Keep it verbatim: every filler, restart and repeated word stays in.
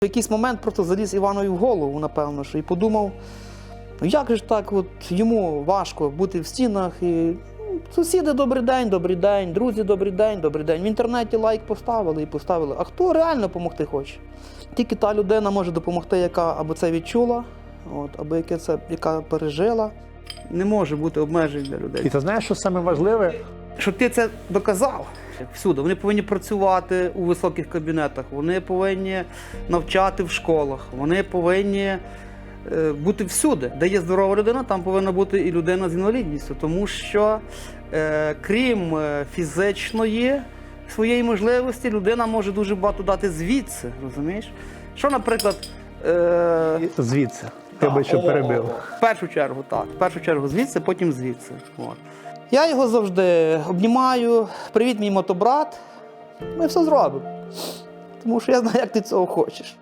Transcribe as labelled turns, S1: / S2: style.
S1: В якийсь момент просто заліз Іванові в голову, напевно, що і подумав, ну як же ж так от йому важко бути в стінах і ну, сусіди добрий день, добрий день, друзі добрий день, добрий день. В інтернеті лайк поставили і поставили. А хто реально допомогти хоче? Тільки та людина може допомогти, яка або це відчула, от, або яке це, яка пережила. Не може бути обмежень для людей.
S2: І ти знаєш, що саме важливе?
S1: Щоб ти це доказав всюди. Вони повинні працювати у високих кабінетах, вони повинні навчати в школах, вони повинні е, бути всюди. Де є здорова людина, там повинна бути і людина з інвалідністю. Тому що, е, крім фізичної своєї можливості, людина може дуже багато дати звідси, розумієш? Що, наприклад... Е,
S2: Звідси. Тебе що перебив.
S1: В першу чергу, так. В першу чергу звідси, потім звідси. От. Я його завжди обнімаю. Привіт, мій мотобрат. Ми все зробимо. Тому що я знаю, як ти цього хочеш.